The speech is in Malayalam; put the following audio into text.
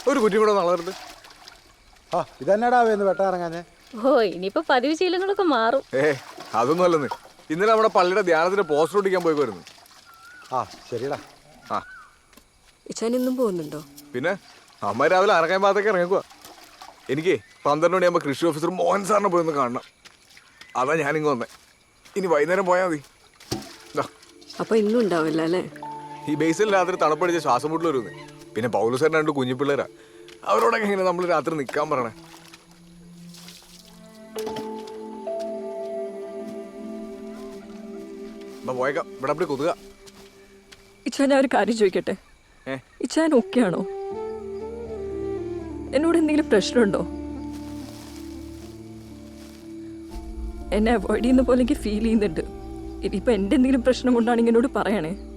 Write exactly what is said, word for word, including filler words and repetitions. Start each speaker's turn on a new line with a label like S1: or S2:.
S1: ഒരു കുറ്റി കൂടെ നളറുണ്ട്.
S2: ആ ഇതന്നെടാ വേന്ന് വെട്ടാറങ്ങാഞ്ഞേ.
S3: ഓ ഇനിയിപ്പോ പതിവ് ശീലങ്ങളൊക്കെ മാറും.
S1: ഏ അതൊന്നും അല്ലെന്ന്. ഇന്നലെ നമ്മുടെ പള്ളിയുടെ ധ്യാനത്തിന് പോസ്റ്റർ ഒട്ടിക്കാൻ പോയി വരുന്നു.
S2: ആ ശരിടാ.
S1: ആ
S4: ഇച്ചാൻ ഇന്നും പോകുന്നുണ്ടോ?
S1: പിന്നെ അമ്മ രാവിലെ അറക്കാൻ ഭാഗത്തേക്ക് ഇറങ്ങിക്കുക. എനിക്ക് പന്ത്രണ്ട് മണിയാകുമ്പോൾ കൃഷി ഓഫീസർ മോഹൻ സാറിനെ പോയി ഒന്ന് കാണണം. അതാ ഞാനിങ്ങ് വന്നേ. ഇനി വൈകുന്നേരം പോയാൽ മതി.
S4: അപ്പൊ ഇന്നും ഉണ്ടാവില്ല അല്ലേ?
S1: ഈ ബേസിൽ രാത്രി തണുപ്പടിച്ച് ശ്വാസം മുട്ടൽ വരുന്നേ. പിന്നെ പൗലുസാറിന് രണ്ട് കുഞ്ഞു പിള്ളേരാ. അവരോടൊക്കെ എങ്ങനെ നമ്മൾ രാത്രി നിൽക്കാൻ പറയണേ? പോയേക്കാം. ഇവിടെ അപ്പടി കൊതുക.
S4: ഇച്ചാൻ ഞാൻ ഒരു കാര്യം ചോദിക്കട്ടെ. ഇച്ചാൻ ഓക്കെയാണോ? എന്നോട് എന്തെങ്കിലും പ്രശ്നമുണ്ടോ? എന്നെ അവോയ്ഡ് ചെയ്യുന്ന പോലെ എനിക്ക് ഫീൽ ചെയ്യുന്നുണ്ട്. ഇനിയിപ്പോൾ എൻ്റെ എന്തെങ്കിലും പ്രശ്നം കൊണ്ടാണെങ്കിൽ എന്നോട് പറയണേ.